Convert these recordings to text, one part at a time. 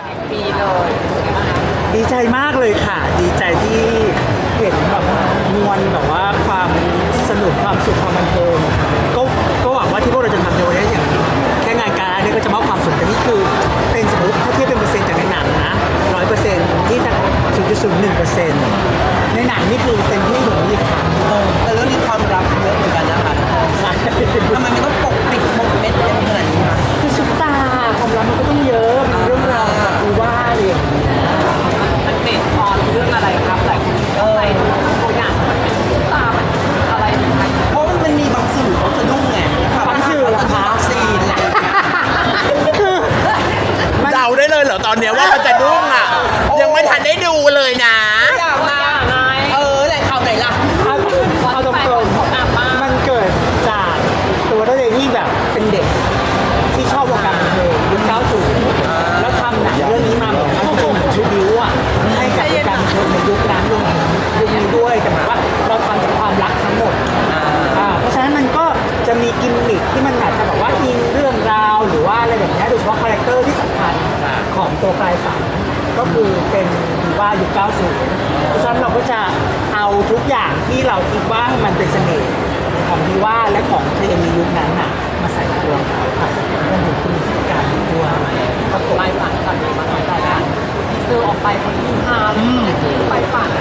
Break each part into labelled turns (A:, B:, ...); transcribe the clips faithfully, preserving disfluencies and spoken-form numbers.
A: ปีเลย
B: ดีใจมากเลยค่ะดีใจที่เห็นแบบมวลแบบว่าความสนุกความสุขความบันเทิงก็ก็หวังว่าที่พวกเราจะทำในวันนี้อย่างแค่งานการเนี่ยก็จะมอบความสุขแต่นี่คือเป็นสมมติถ้าเทียบเป็นเปอร์เซ็นต์จากในหนังนะร้อยเปอร์เซ็นต์ที่จะศูนย์จุดศูนย์หนึ่งเปอร์เซ็นต์ในหนังนี่คือเต็มที่ถึงอีกครั้ง
C: แต่เรื่องนี้ความรักเยอะเหมือนกันนะคะทำไมไม่ต้องปกปิดปกเม็ดเยอะขนาดนี้คะ
B: คือซุปตาความรักมันก็ต้องเยอะมีเรื่องราวแบบดูว่าอะไรอย่างเงี้ย
A: มันเบสออนเรื่องอะไรครับหลายคนเข้าใจตัวอย่างมันเป็นตุ๊กตามันอะไรยังไง
C: เพราะมันมีบางสื่อเขาสะดุ้งไงนะคะ
B: บางสื่อเหรอคะ
C: บางซีนอะไรอย่างเงี้ย
D: เดาได้เลยเหรอตอนเนี้ยว่ามันจะดุ้งอ่ะ ยังไม่ทันได้ดูเลยนะ
C: อยากมาเออแหล่งข่าวไหนล่ะ
B: เอาเอาตรงๆมันเกิดจากตัวตัวเองที่แบบเป็นเด็กที่ชอบวงการบันเทิงยุคเก้าสิบแล้วทำหนังเรื่องนี้มาเหมือนมันเป็นเหมือนชูบิวอ่ะให้กับวงการบันเทิงในยุคนั้นรวมถึงยุคนี้ด้วยแต่หมายว่าเราทำจากความรักทั้งหมดอ่าเพราะฉะนั้นมันก็จะมีกิมมิคที่มันอาจจะแบบว่าอิงเรื่องราวหรือว่าอะไรแบบนี้โดยเฉพาะคาแรคเตอร์ที่สำคัญของตัวปลายฝันก็คือเป็นดีว่ายุคเก้าสิบเพราะฉะนั้นเราก็จะเอาทุกอย่างที่เราคิดว่ามันเป็นเสน่ห์ของดีว่าและของเพลงในยุคนั้นน่ะมาใส่ตัวเขาค่ะรวมถึงคุณพิการด้วยประกบ
A: ไปฝันก่อนมาต่อจากกันที่ซื้อออกไปคนที่ห้าไปฝัน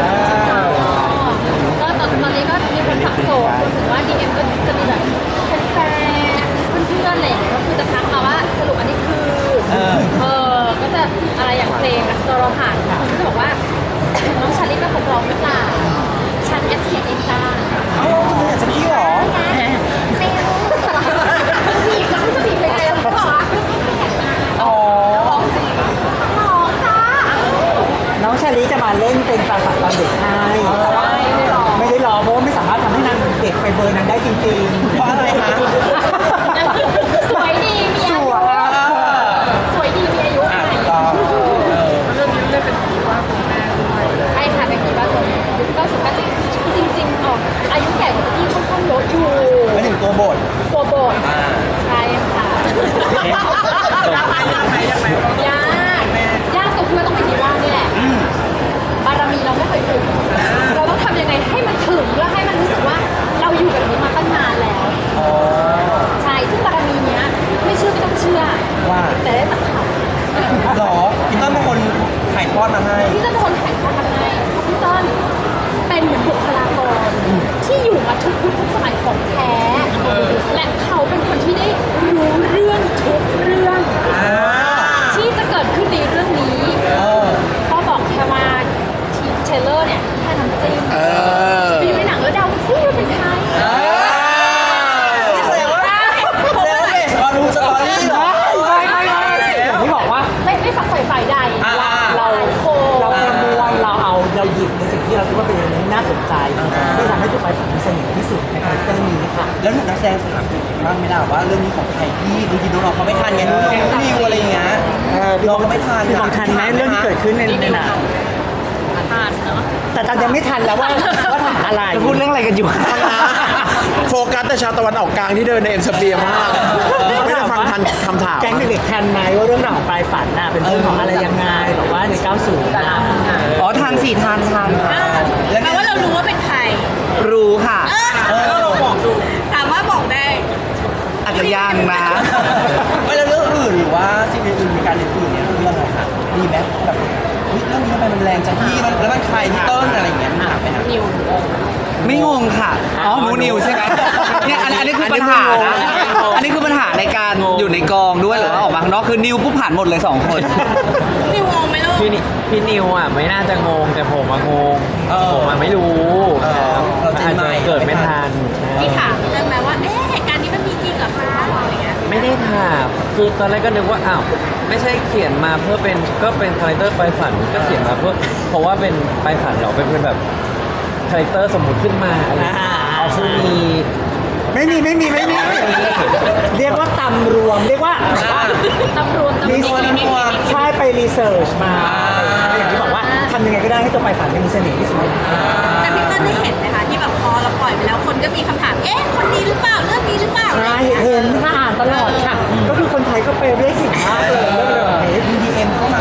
E: ก็ตอนตอนนี้ก็มีคนสับสนรวมถึงว่า ดี เอ็ม ก็จะมีแบบแฟนๆเพื่อนๆอะไรอย่างเงี้ยก็คือจะทักมาว่าสรุปอันนี้คือเออก็จะอะไรอย่างเพลงนะตัวเราผ่านคนก็จะบอกว่าน้องชาลิเป็นคนร้องหรือเปล่าฉันแอปเสียงเองจ้า
C: เอ้าทำไมอยากจะพี่หรอ
E: ไม่รู้ผีก็จะผีไปไงแล้วก็บอกว่า
C: อ๋อ
E: ร้องจริงร้องจ้า
B: น้องชาลีจะมาเล่นเป็นปลายฝันตอนเด็กให้แต่ว่าไม่ได้รอเพราะว่าไม่สามารถทำให้นางเด็กไปเบอร์นั้นได้จริงๆ
C: เพราะอะไรคะ
E: สวยดีมีอายุสวยดีมีอายุ
C: อ่ะถูกต้องเออ
A: เรื่องนี้เล่นเป็นผีว่าคุณแม่ด้วย
E: ใช่ค่ะเป็นผีบ้านตัวยุคเก้าสิบเก้าจริงจริงๆออกอายุแก่กว่าพี่ค่อนข้างเยอะอยู่
C: ไม่ถึงตัวบท
E: ตัวโบด
C: อ่า
E: ใช่ค่ะ
A: ยากไหมยากไหมยากไหม
E: ยากยากตรงที่ว่าต้องเป็นดีว่านี่แหละบารมีเราไม่เคยถึงเราต้องทำยังไงให้มันถึงเพื่อให้มันรู้สึกว่าเราอยู่แบบนี้มาตั้งนานแล้ว
C: อ๋อ
E: ใช่ซึ่งบารมีเนี้ยไม่เชื่อไม่ต้องเชื่อ
C: ว่า
E: แต่ได้จากเขา
C: หรอพี่ต้นเป็นคนถ่ายทอดมาให้
E: พี่ต้นเป็นคนถ่ายทอดมาให้พี่ต้นเป็นเหมือนบุคลากรที่อยู่มาทุกยุคทุกสมัยของแท้ และเขาเป็นคนที่ได้รู้เรื่องทุกเรื่อง ที่จะเกิดขึ้นในเรื่องนี้
C: เออ
E: ก็บอกแค่ว่าทีเทเลอร์เนี่ยแค่น้ำจิ้ม
D: เออ
E: ไปอยู่ในหนังแล้วเดาซิว่าเป็นใคร
C: แสดงว่าแสดงว่าเบสออนรูสตอรี่เหรอ
B: ไม่ไม่ไม่อย่างที่บอกว่า
E: ไม่ไม่ฝักใฝ่ฝ่ายใด
C: อ่า
B: เรา
E: โค
B: เราประมวลเราเอาเราหยิบในสิ่งที่เราคิดว่าเป็นอะไรที่น่าสนใจที่ทำให้ตัวไปฝันมีเสน่ห์ที่สุดในคาแรคเตอร์นี้ค่ะ
C: แล้วหนูนักแสดงถามบ้างไหมล่ะว่าเรื่องนี้ของใครพี่บางทีน้องๆเขาไม่ทันไงน้องๆนิวอะไรอย่างเงี้ย
B: เออพี่
C: น้
B: บ
C: อ
B: อง ก
C: ก็ไม่ทัน
B: พี่บอกทันไหมเรื่องที่เกิดขึ้นในในหนัง
E: ทานเนาะ
B: แต่ตอนยังไม่ทันแล้วว่าว่าถามอะไรพูดเรื่องอะไรกันอยู่
D: โฟกัสแต่ชาวตะวันออกกลางที่เดินในเอ็มสเปียมาก ไม่ได้ฟังทันคำถาม
B: แก๊งเด็กๆทันไหมว่าเรื่องราวของปลายฝันน่ะเป็นเรื่องของอะไรยังไงแบบว่าในเก้าสิบน่ะ
F: อ๋อทานสี่ทานทาน
C: แล้ว
E: แปลว่าเรารู้ว่าเป็นใคร
F: รู้ค่ะ
C: เออ
A: เราบอกดู
E: ถามว่าบอกได้
F: อาจจะยังนะ
C: ไม่แล้วเรื่องอื่นหรือว่าซีรีส์อื่นมีการเรียนอื่นเนี่ยเรื่องอะไรคะดีไหมแบบเฮ้ยเรื่องนี้ทำไมมันแรงจังพี่มันแล้วมันใครพี่เติ้ลอะไรอย่างเงี้ยมีถามไหมคะ
A: นิว
F: ไม่งงค่ะ อ๋อหนูนิวใช่ไหมเนี่ยอันอันนี้คือปัญหานะอันนี้คือปัญหาในการอยู่ในกองด้วยหรือว่าออกมาข้างนอกคือนิวปุ๊บผ่านหมดเลยสองคน
E: นิวงงไหมลูก
G: พี่นิพี่นิวอ่ะไม่น่าจะงงแต่ผมอะงงผมอะไม่รู้ครับ
C: เราเจ
G: อาน จ
C: ให
G: จะ
C: ม่
G: เกิดไม่ทัน
E: พี่ถามเรื่องไหมว่า เอ๊ะเหตุการณ์นี้มันมีจริงเหรอคะอะไรเงี้ย
G: ไม่ได้ถามคือตอนแรกก็นึกว่าอ้าวไม่ใช่เขียนมาเพื่อเป็นก็เป็นคาแรคเตอร์ไปฝันก็เขียนมาเพื่อเพราะว่าเป็นไปฝันเหรอเป็นเป็นแบบคาแรคเตอร์สมมุติขึ้นมาอะไรอย่างเงี้ยเอาซึ่งมี
B: ไม่มีไม่มีไม่มีเรียกว่าตำรวมเรียกว่า
E: ตำรวจตำร
B: รี
E: วจ
B: เสิร์ชใช่ไปรีเสิร์ชมาอย่างที่บอกว่าทำยังไงก็ได้ให้ตัวไปฝันมีเสน่ห์ที่สุด
E: แต่พี่เติ้ลได้เห็นไหมคะที่แบบพอเราปล่อยไปแล้วคนก็มีคำถาม เอ๊ะ คนนี้หรือเปล่า เรื่องนี้หรือเปล่า
B: ใช่เห็นค่ะอ่านตลอดค่ะ ก็คือคนไทยก็ไปเรียกสิ่งมากเลยเรื่องแบบนี้
C: มีดีเอ็มเข้ามา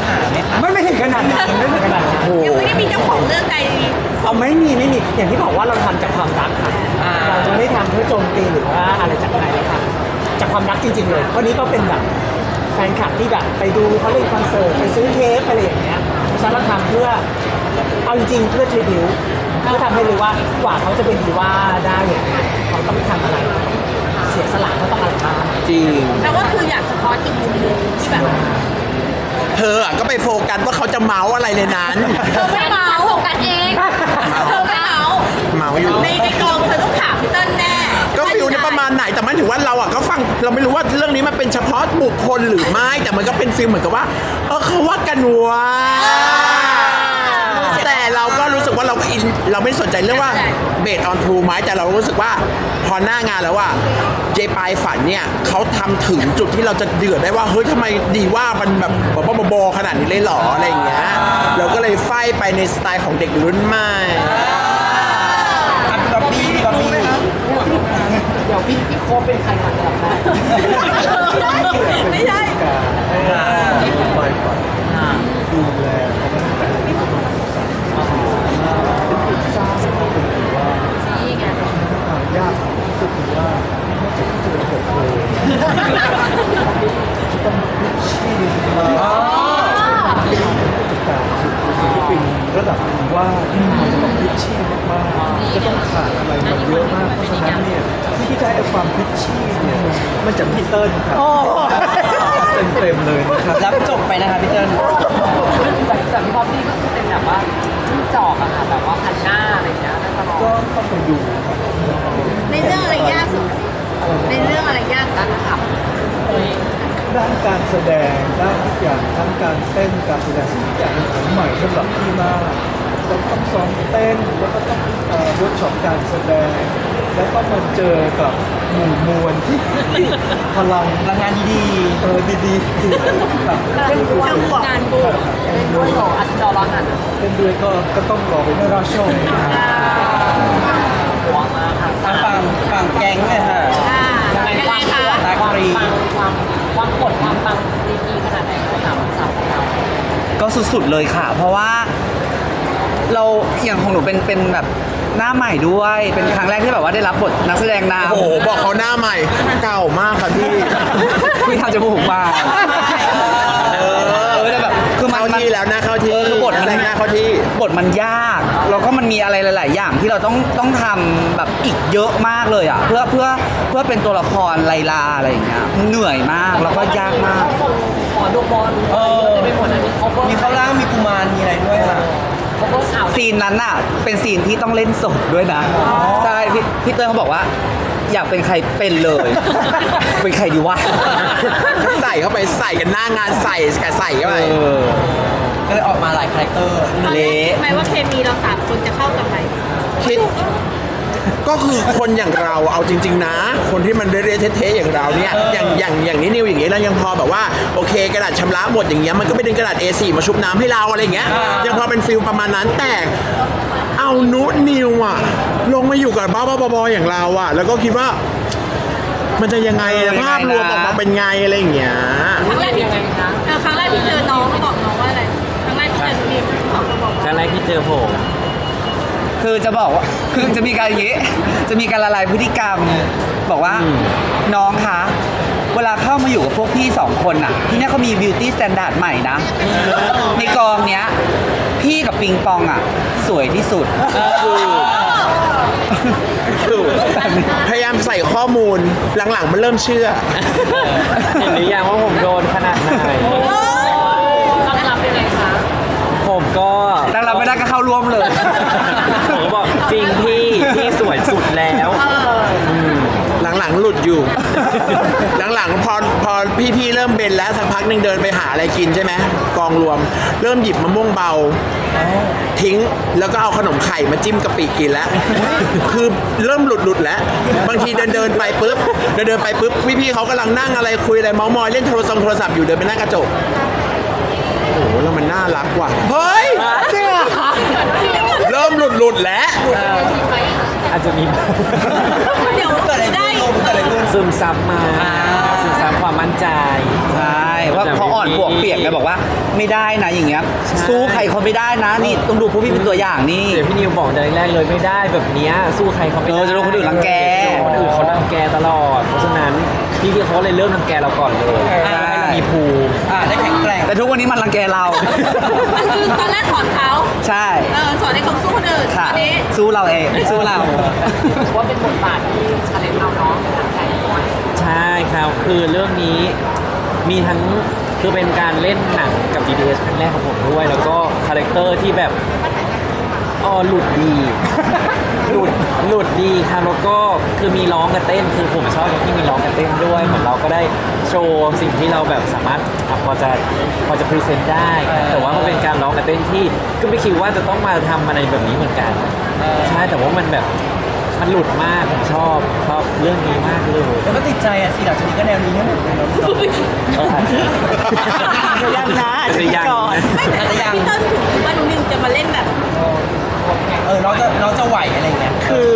B: อย่างที่บอกว่าเราทำจากความรักค่ะเราจะไม่ทำเพื่อโจมตีหรือว่าอะไรจากใครเลยค่ะจากความรักจริงๆเลยวันนี้ก็เป็นแบบแฟนคลับที่แบบไปดูเขาเล่นคอนเสิร์ตไปซื้อเทปอะไรอย่างเงี้ยฉะนั้นเราทำเพื่อเอาจริงๆเพื่อทริบิวเพื่อทำให้รู้ว่ากว่าเขาจะเป็นดีว่าได้อย่างเงี้ยเขาต้องทำอะไรเสียสละเขาต้องอะไรบ้าง
F: จริง
E: แต่ว่าคืออยากสะท้อนอีกมุมหนึงที่แบบ
D: เธออะก็ไปโฟกัสว่าเขาจะเมาส์อะไรในนั้น
E: เธอไม่เมาโฟกัสเองเธอไม่เมา
D: เมาส์อยู่
E: ในในกองเธอต้องถามพี่เติ้ลแน่
D: ก็ฟิลนี้ประมาณไหนแต่มันถือว่าเราอ่ะก็ฟังเราไม่รู้ว่าเรื่องนี้มันเป็นเฉพาะบุคคลหรือไม่แต่มันก็เป็นฟิลเหมือนกับว่าเออเขาว่ากันว่าแต่เราก็รู้สึกว่าเราก็อินเราไม่สนใจเรื่องว่าเบสออนทูไหมแต่เรารู้สึกว่าพอหน้างานแล้วว่าเจปายฝันเนี่ยเขาทำถึงจุดที่เราจะเดือดได้ว่าเฮ้ยทำไมดีว่ามันแบบบ้าๆบอๆขนาดนี้เลยเหรออะไรอย่างเงี้ยเราก็เลยไฟไปในสไตล์ของเด็กรุ่นใหม่
C: อ่ะพี่บ๊อบบี้พี่บ๊อบบี้
A: เดี๋ยวพี่พี่โคบเป็นใครก่อนจะได้
E: ไม่ใช่ นี่ไง
H: ศิลปินระดับดีว่าจะต้องพิชชี่มากๆจะต้องขาดอะไรมาเยอะมากเพราะฉะนั้นเนี่ยที่ได้ความพิชชี่เนี่ยมันจะพีเติ้ลครับเต็มๆเลยนะครับ
C: รับจบไปนะคะพี่เติ้ล
A: แต่แต่พี่บ๊อบบี้ก็คือเป็นแบบว่าจิ้งจอกอะค่ะแบบว่าพันหน้าอะไรอย่างเงี้ยน่าจะลอง
H: ก็ต้องไปดูครับ
E: ในเรื่องอะไรยากสุดในเรื่องอะไรยากสุดครับ
H: ด้านการแสดงด้านทุกอย่างทั้งการเต้นการแสดงทุกอย่างเป็นของใหม่สำหรับพี่มากเราต้องซ้อมเต้นแล้วก็ต้องเอ่อเวิร์กช็อปการแสดง แล้วก็มาเจอกับหมู่มวลที่พลัง
C: พลังงานดี
H: เออดีๆคือแบบ
E: เรื่องบวกงานบวก
A: เป็นด้วยของอัศจรรย์หัน
H: เต้นด้วยก็ก็ต้องรอไปรอชมนะครับ
A: หัวมาค่ะ
C: ๆทางฝั่งฝั่งแก๊งเนี่ยค่ะ
E: อ่า
A: ยังไง
E: ยัง
A: ค
E: ไง
A: วาม
E: คะ
A: ปังความปังความความกดความปังดีดีขนาดไหนคะสามสามของเรา
F: ก็สุดๆเลยค่ะ เพราะว่าเราอย่างของหนูเป็นเป็นแบบหน้าใหม่ด้วย เป็นครั้งแรกที่แบบว่าได้รับบทนักแสดงนำ
D: โอ้โหบอกเขาหน้าใหม่เก่ามากค่ะพี่
F: พี่ทำจมูกมา
D: เออ
F: เออแต่แบบคือมัน
D: เข้าที่แล้วนะเข้าที่
F: เออคือบทมัน
D: แสดงหน้าเข้าที่
F: บทมันยากแล้วก็มันมีอะไรหลาย ๆ อย่างที่เราต้องต้องทำแบบอีกเยอะมากเลยอ่ะเพื่อเพื่อเพื่อเป็นตัวละครไลลาอะไรอย่างเงี้ยเหนื่อยมากแล้วก็ยากมาก
A: ขอดูบอลเออเป็นหมดอันนี้เขาก็
C: มีเข้าร่างมีกุมารมีอะไรด้วยค่ะ
A: เขาก็ข่าว
F: ซีนนั้นน่ะเป็นซีนที่ต้องเล่นสดด้วยนะใช่พี่พี่เติ้ลเขาบอกว่า อยากเป็นใครเป็นเลย เป็นใครดีวะ
D: ก็ใส่เข้าไปใส่กันหน้างานใส่กับใส่เข้าไป
F: เออ
C: ก็เลยออกมาหลายคาแรคเตอร์
F: เละ
E: หมายว่าเคมีเราสามคนจะเข้ากันไหม
D: คิดก็คือคนอย่างเราเอาจริง ๆ นะ คนที่มันเรื่อยๆเท่ๆอย่างเราเนี่ยอย่างอย่างอย่างนี้นิวอย่างนี้เรายังพอแบบว่าโอเคกระดาษชำระหมดอย่างเงี้ยมันก็ไปดึงกระดาษ เอ โฟร์ มาชุบน้ำให้เราอะไรอย่างเงี้ยยังพอเป็นฟิลประมาณนั้นแต่เอานุนิวอะลงมาอยู่กับบ้าๆบอๆอย่างเราอะแล้วก็คิดว่า มันจะยังไงอะภาพรวมออกมาเป็นไงอะไรอย่างเงี้ย
E: ครั้งแรกที่
A: ยังไงคะ
E: เออครั้งแรกที่เจอน้องเขาบอกน้องว่าอะไรครั้งแรกที่เจอนิวเขาบอก
G: ครั้งแรกที่เจอผม
F: คือจะบอกว่าคือจะมีการอย่างนี้จะมีการละลายพฤติกรรม บอกว่าน้องคะเวลาเข้ามาอยู่กับพวกพี่สองคนน่ะ ที่เนี่ยเขามี beauty standard ใหม่นะ ในกองเนี้ย พี่กับปิงปองอ่ะ สวยที่สุด
D: คือพยายามใส่ข้อมูลหลังๆมันเริ่มเชื่อ
G: เห็นหรือยังว่าผมโดนขนาดไหน
A: ต้องรับยังไงคะ
G: ผมก็
F: แล้วเราไม่ได้ก็เข้าร่วมเลย
G: ผมก็บอกจริงพี่พี่สวยสุดแล้ว
D: หลังๆหลุดอยู่ หลังๆพอพอพี่ๆเริ่มเบนแล้วสักพักหนึ่งเดินไปหาอะไรกินใช่ไหมกองรวม เริ่มหยิบมะม่วงเบา ทิ้งแล้วก็เอาขนมไข่มาจิ้มกะปิกินแล้ว คือเริ่มหลุดหลุดๆแล้ว บางทีเดินเดินๆไปปุ๊บเดินเดินๆไปปุ๊บพี่ๆเขากำลังนั่งอะไรคุยอะไรเมาส์มอยเล่นโทรศัพท์โทรศัพท์อยู่เดินไปหน้ากระจกโอ้โหแล้วมันน่ารักว่ะเฮ้ยจริงเหรอเริ่มหลุดหลุดๆแล้ว
G: อาจจะมี
E: เดี๋ยว
C: เกิดอะไร
E: ได้
C: ขึ้นเกิดอะไรขึ้น
G: ซึมซับมาซึมซับความมั่นใจ
F: ใช่ว่าเขาอ่อนอนปวกเปียกไงบอกว่าไม่ได้นะอย่างเงี้ยสู้ใครเขาไม่ได้นะนี่ต้องดูพวกพี่เป็นตัวอย่างนี่
G: เดี๋ยวพี่นิวบอกแต่แรกๆเลยไม่ได้แบบเนี้ยสู้ใครเขาไม่
F: เอ
G: ได้
F: อจะโดนคนอื่นรังแก
G: คนอื่นเขารังแกตลอด เพราะฉะนั้นพี่พี่เขาเลยเริ่มรังแกเราก่อนเลย
F: ใช่
G: ให้เรามีภูมิ
C: อ่าได้แข็งแกร่ง
F: แต่ทุกวันนี้มันรังแกเรา
E: มันคือตอนแรกสอนเขา
F: ใช่
E: เออสอนให้เขาสู้คนอื่น
F: ค่ะ
E: อันนี้
F: สู้เราเองสู้เรา
A: ว่าเป็นบทบาทที่ชาเลนจ์เราเนาะหนังไก่ด้วย
G: ใช่ครับคือเรื่องนี้มีทั้งคือเป็นการเล่นหนังกับ บี ที เอส ครั้งแรกของผมด้วย แล้วก็คาแรคเตอร์ที่แบบอ๋อหลุดดี หลุดหลุดดีครับแล้วก็คือมีร้องกับเต้นคือผมชอบตรงที่มีร้องกับเต้นด้วยเหมือนเราก็ได้โชว์สิ่งที่เราแบบสามารถอ่ะพอจะพอจะพรีเซนต์ได้ครับแต่ว่ามันเป็นการร้องกับเต้นที่ก็ไม่คิดว่าจะต้องมาทำอะไรแบบนี้เหมือนกันใช่แต่ว่ามันแบบมันหลุดมากผมชอบชอบเรื่องนี้มากเลย
C: แล้วก็ติดใจอ่ะสิหลังจากนี้ก็แนวนี้ให้หมดเลยเนาะ
G: เอออาจจะ
B: จะยังนะอาจจะ
G: จะยัง
B: ก่อน
G: นะ
E: ไม่แต่พี่เติ้ลถึงว่าหนูนิวจะมาเล่นแบบ
C: เออน้องจะน้องจะไหวอะไรเงี้ย
B: คือ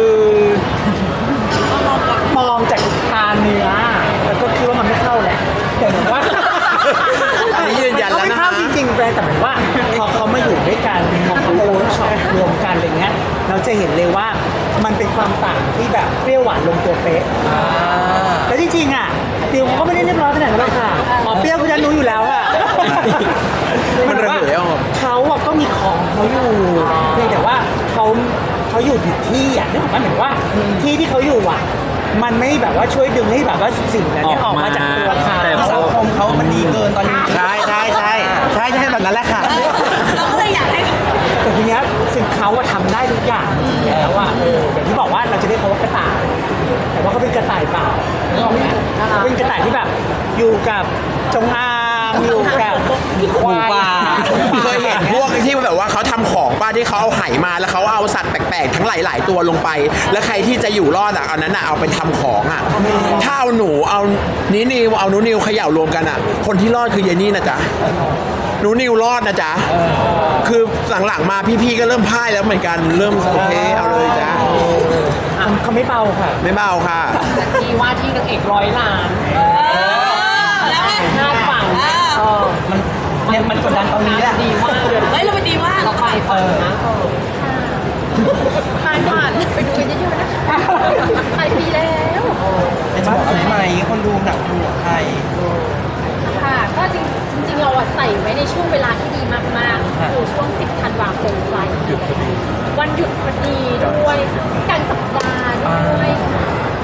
B: มองจากทางเนื้อแล้วก็คิดว่ามันไม่เข้าแหละแต่เหมือนว่า
D: อันนี้ยืนยันแล้วนะ
B: ไม่เข้าจริงๆแต่เหมือนว่าพอเขามาอยู่ด้วยกันพอเขามาเวิร์กช็อปรวมกันอะไรเงี้ยเราจะเห็นเลยว่ามันเป็นความต่างที่แบบเปรี้ยวหวานลงตัวเป๊ะแล้วจริงๆอ่ะติวเขาก็ไม่ได้เรียบร้อยขนาดนั้นหรอกค่ะอ๋อเปรี้ยวคือฉันรู้อยู่แล้วอ่ะ
D: มันระเหยออก
B: เขาอะก็มีของเขาอยู่เพียงแต่ว่าเขาเขาอยู่ผิดที่อ่ะนึกออกไหมเหมือนว่าที่ที่เขาอยู่อ่ะ มันไม่แบบว่าช่วยดึงให้แบบว่าสิ่งนั้นเนี่ยออกมาจากตัวเขา
G: แต่
C: สังคมเขามันดีเกินตอนนี้
F: ใช่ใช่ใช่ใช่ใช่แบบนั้นแหละค่ะ
E: เราก็เลยอยากให้
B: แต่ทีเนี้ยสิ่งเขาอะทำได้ทุกอย่างแล้วอะเอออย่างที่บอกว่าเราจะเรียกเขาว่ากระต่าย แต่ว่าเขาเป็นกระต่ายเปล่านึกออกไหมเขาเป็นกระต่ายที่แบบอยู่กับจงอางอยู่กับควาย
F: ป่า
D: เคยเห็นพวกที่แบบว่าเขาทำของป้าที่เขาเอาไหมาแล้วเขาเอาสัตว์แปลกๆทั้งหลายๆตัวลงไป แล้วใครที่จะอยู่รอดอ่ะเอานั้นอ่ะเอาไปทำของอ่ะถ้าเอาหนูเอานี้นิวเอาหนูนิวเขย่ารวมกันอ่ะ คนที่รอดคือเยนี่นะจ๊ะหนูนิวรอดนะจ๊ะคือหลังๆมาพี่ๆก็เริ่มพ่ายแล้วเหมือนกันเริ่มโอเคเอาเลยจ้ะ
B: เขาไม่เบาค่ะ
D: ไม่เบาค่ะ
A: ที่ว่าที่นางเอกร้อยล้าน
E: แล้วไง
A: คาดฝัน
E: เออ
A: เออ
C: มันเนี่ยมันกดดันตรงนี้แหละ
A: ดีมาก
E: เฮ้ยเราไปดีว่า
A: เราไปฝันนะเออ
E: ผ่านผ่านไปดูกันเยอะๆนะคะปลายปีแล้ว
C: แต่จะบอกอะไรไหมคนดูหนังดูไทย
E: ค่ะก็จริงจริงๆเราอะใส่ไว้ในช่วงเวลาที่ดีมากๆคือช่วงสิบธันวาคมปลายปีวันหยุดพอดีด้วยกลางสัปดาห์ด้วยค่ะ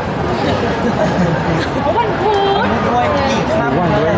E: เพราะวันพุธ
C: ด้วยกี่ครั้งด้วย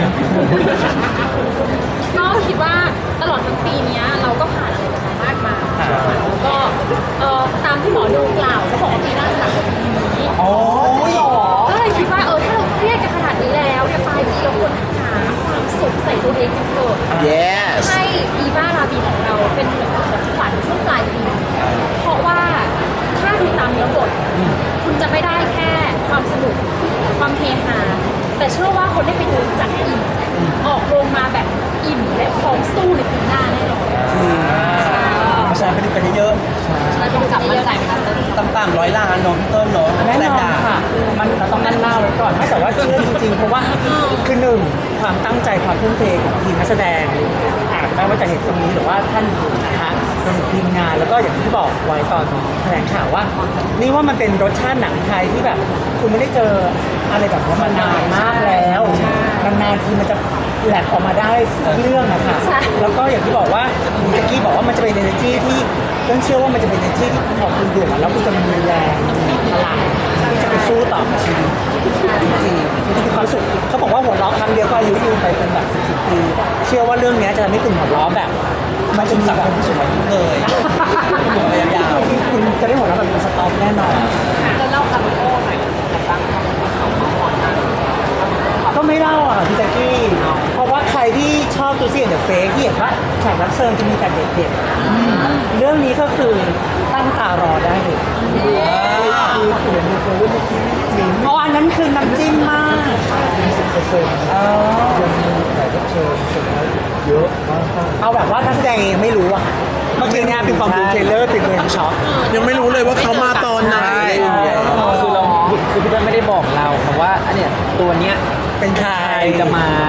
E: ก็คิดว่าตลอดทั้งปีเนี้ยเราก็ผ่านอะไรกันมามากมายแล้วก็เอ่อตามที่หมอดูกล่าวเขาบอกว่าปีหน้าจะหนักกว่าปีนี้
C: โอ้ย
E: ก็เลยคิดว่าเออถ้าเราเครียดกันขนาดนี้แล้วเนี่ยปลายปีเราควรหาความสุขใส่ตัวเองกันเถอะ
D: yes
E: ให้อีวาราบีของเราเป็นเหมือนของขวัญช่วงปลายปีเพราะว่าถ้าดูตามเนื้อบทคุณจะไม่ได้แค่ความสนุกความเฮฮาแต่เชื่อว่าคนได้ไปดูจากอิ่มออกโรงมาแบบอิ่มและพร้อมสู้ในปีหน้าแน่นอน
C: เพราะฉะนั้นไปดูกันเยอะ
E: เราต้องกลับมาใจไหมคะ
C: ๆต่ำๆร้อยล้านเนาะพี่เติ้ลเนาะ
B: แน่นอน
C: ต่
B: ค่ะ มันเราต้องนั่นหน้าไว้ก่อนไม่แต่ว่าเชื่อจริงๆ เพราะว่าคือหนึ่งความตั้งใจความทุ่มเทของทีมนักแสดงอาจไม่ว่าจะเห็นตรงนี้หรือว่าท่านอื่นนะคะรวมถึงทีมงานแล้วก็อย่างที่บอกไว้ตอนแถลงข่าวว่า นี่ว่ามันเป็นรสชาติหนังไทยที่แบบคุณไม่ได้เจออะไรแบบนี้มานานมากแล้วนานๆทีมันจะแหลกออกมาได้เรื่องอะค่ะแล้วก็อย่างที่บอกว่าเมื่อกี้บอกว่ามันจะเป็น energy ที่ต้องเชื่อว่ามันจะเป็น energy ที่พอคุณดูแล้วคุณจะมีแรงมีพลังที่จะไปสู้ต่อกับชีวิตจริงๆมันจะมีความสุขเขาบอกว่าหัวเราะครั้งเดียวก็อายุยืนไปเป็นแบบสิบสิบปี เชื่อว่าเรื่องนี้จะทำให้คุณหัวเราะแบบ
C: ๆมันเป็นสังคมผู้สูงอายุเลยอยู่ระยะยาว
B: คุณจะได้หัวเราะแบบเป็นสต็อกแน่นอน
A: จะเล่าคาร์โโอหน่อยแต่ตั้งเขาเขาเขาก่อนนะ
B: ก็ไม่เล่าอ่ะพี่แจ๊กกี้เพราะว่าใครที่ชอบตัวซีเดอะเฟกที่เห็นว่าแขกรับเชิญจะมีแต่เด็กๆเรื่องนี้ก็คือตั้งตารอได้เลยคือเขียนในเรื่องเมื่อกี้มิ้นอ๋ออันนั้นคือน้ำจิ้มมากสิบเปอร์เซ็นต์ยังมีแขกรับเชิญเยอะมากเอาแบบว่านักแสดงเองไม่รู้อ่ะเมื่อกี้เนี่ยเป็นความดูเทรลเลอร์เป็นเวรช็อต
D: ยังไม่รู้เลยว่าเขามาตอนไหนอะไรอย่างเงี้ย
G: คือเราคือพี่เต้ยไม่ได้บอกเราครับว่าอันเนี้ยตัวเนี้ย
B: เป็นใคร
G: ใครจะมา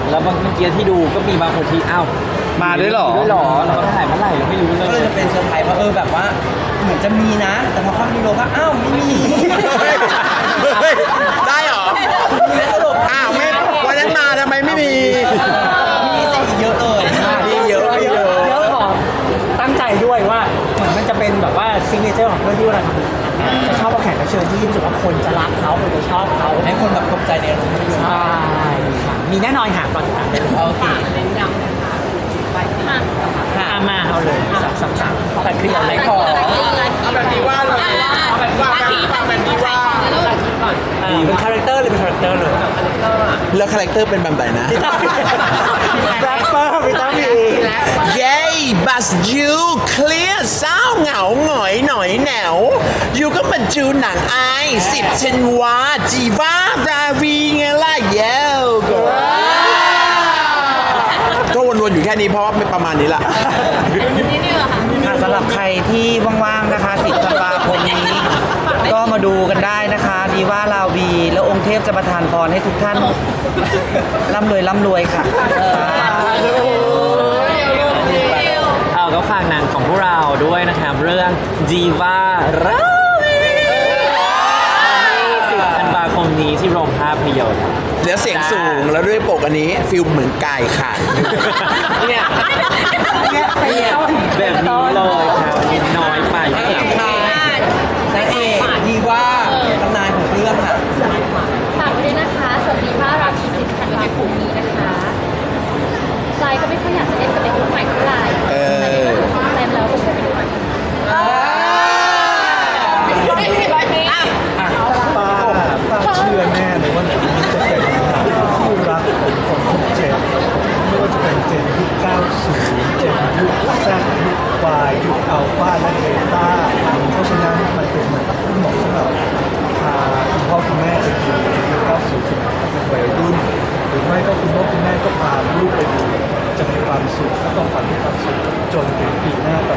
G: แล้วบางเมื่อกี้ที่ดูก็มีบางคนที่อ้าว
F: มาด้วยเหรอ
G: ด้วยเหรอเราก็ถ่ายเมื่อไหร่เราไม่รู้เล
C: ก็เลย
G: ย
C: จะเป็นเซอร์ไพรส์ว่าเออแบบว่าเหมือนจะมีนะ แต่พอเข้ามีโลก็อ้าวไม่มี
D: เฮ้ยได้เหรอ
C: มีสรุป
D: อ้าวไม่วันนั้นมาทำไมไม่มี
C: มีสิเยอะเลย
D: มีเยอะมีเยอะ
B: เยอะของตั้งใจด้วยว่าเหมือนมันจะเป็นแบบว่าซิกเนเจอร์ของเพื่อนที่เวลาทำจะชอบเอาแขกรับเชิญที่รู้สึกว่าคนจะรักเขาคนจะชอบเขา
C: ให้คนแบบตกใจในอารมณ์ภาพยนตร์
B: ใช่ค่ะมีแน่นอนค่ะก่อนติดตามได้เลย
C: โอเค
A: เน้นย้ำนะคะไปที่นั่น
B: อ่ะมาเอาเลยสับสับสับแต่เคลียร์เลย
C: ขอ
A: เอาแบบนี้ว่าเลยเอาแบบว่าแบบนี้ว่าแบบนี้ก่อน
B: อ่าเป็นคาแรคเตอร์เลยเป็นคาแรคเตอร์เลย
D: แล้วคาแรคเตอร์เป็นแบบไหนนะ
B: แรปเปอร์วิตามิน
D: เย้บัสยูเคลียร์เศร้าเหงาหงอยหน่อยแหนวยูก็มาจูหนังไอสิบชันวาจีวาราวีไงล่ะเย้ก็ก็วนๆอยู่แค่นี้เพราะว่าไม่ประมาณนี้ละ
A: นี่นี่เหรอคะ
F: ค่ะสำหรับใครที่ว่างๆนะคะสิบธันวาคมนี้ ก็มาดูกันได้นะคะดีว่าลาวี แล้วองค์เทพจะประทานพรให้ทุกท่านร่ำรวยร่ำรวยค่ะ
G: เอาก็ฝากหนังของพวกเราด้วยนะครับเรื่อง Diva ราวีสิบธันวาคมนี้ที่โรงภาพยนตร์
D: แล้วเสียงสูงแล้วด้วยปกอันนี้ฟิลเหมือนกายค่ะ
G: เนี่ย
B: เนี่ยไปเนี่ย
G: แบบนี้เลยครับนิดน้อยไปครับ
C: นางเอกดีว่าตำนานของเรื่องค่ะ
E: ฝากไว้ด้วยนะคะสวัสดีว่ารามีสิบธันวาคมนี้นะคะไลน์ก็ไม่ค่อยอยากจะเล่นกับเด็กรุ่นใหม่เท่าไหร่
D: เออ
E: แต่นี่ก็ถึงเต็มแล้วก็ช่วยไปดูหน่อย
H: ป้าป้าเชื่อแน่เลยว่าหนังนี้จะเป็นหนังที่รักของคนทุกเจนไม่ว่าจะเป็นเจนยุคเก้าสิบ เจนยุคแซดยุควายยุคอัลฟาและเบต้าเพราะฉะนั้นมันเป็นหนังที่เหมาะสำหรับพาคุณพ่อคุณแม่ไปดูยุคเก้าสิบที่เป็นวัยรุ่นหรือไม่ก็คุณพ่อคุณแม่ก็พาลูกไปดูจะมีความสุขและต้องฝันมีความสุขจนถึงปีหน้าต